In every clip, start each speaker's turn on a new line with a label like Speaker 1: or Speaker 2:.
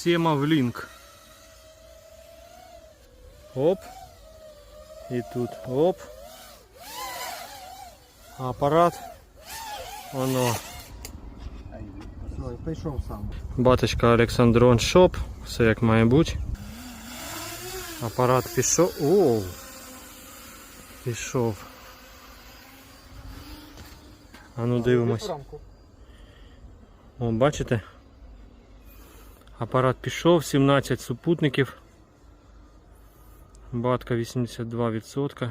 Speaker 1: Семавлінк. Оп. І тут оп. Апарат. Воно.
Speaker 2: Прийшов сам.
Speaker 1: Баточка Олександрон Шоп. Все як має бути. Апарат пішов. Оу. Пішов. А ну дивимось. О, бачите? Апарат пішов, 17 супутників. Батка 82%.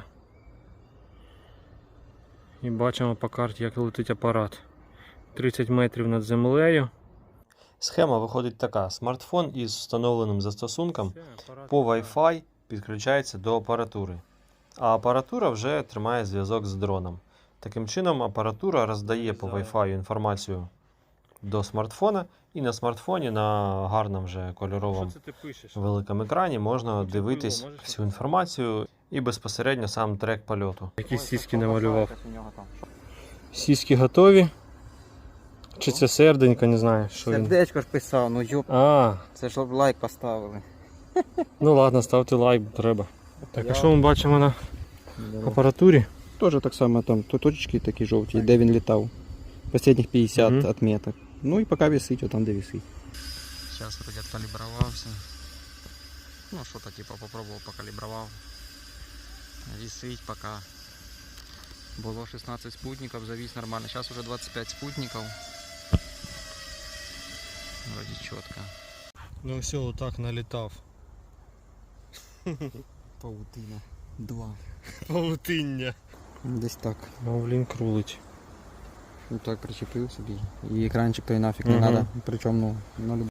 Speaker 1: І бачимо по карті, як летить апарат. 30 метрів над землею. Схема виходить така. Смартфон із встановленим застосунком по Wi-Fi підключається до апаратури. А апаратура вже тримає зв'язок з дроном. Таким чином апаратура роздає по Wi-Fi інформацію до смартфона, і на смартфоні на гарному вже кольоровому великому екрані можна дивитись всю інформацію і безпосередньо сам трек польоту. Які сіськи намалював. Сіськи готові. Чи це серденько, не знаю, що він.
Speaker 2: Сердечко ж писав, ну йоп,
Speaker 1: А,
Speaker 2: це ж лайк поставили.
Speaker 1: ну ладно, ставте лайк, треба. Так, а що ми бачимо на апаратурі?
Speaker 3: Теж так само там точечки такі жовті, де він літав. Последніх 50
Speaker 1: Мгм.
Speaker 3: отметок. Ну і поки висить, отам де висить.
Speaker 4: Сейчас вроде откалибровался. Ну, что-то типа попробовал, покалибровал. Висить пока. Было 16 спутников, завис нормально. Сейчас уже 25 спутников. Вроде четко.
Speaker 1: Ну все, отак налітав.
Speaker 3: Паутина. 2.
Speaker 1: Павутиння.
Speaker 3: Десь так.
Speaker 1: Мовлін крулить.
Speaker 3: Ну так причепив собі. І екранчик той нафіг не
Speaker 1: Мгм.
Speaker 3: треба. Причому, ну,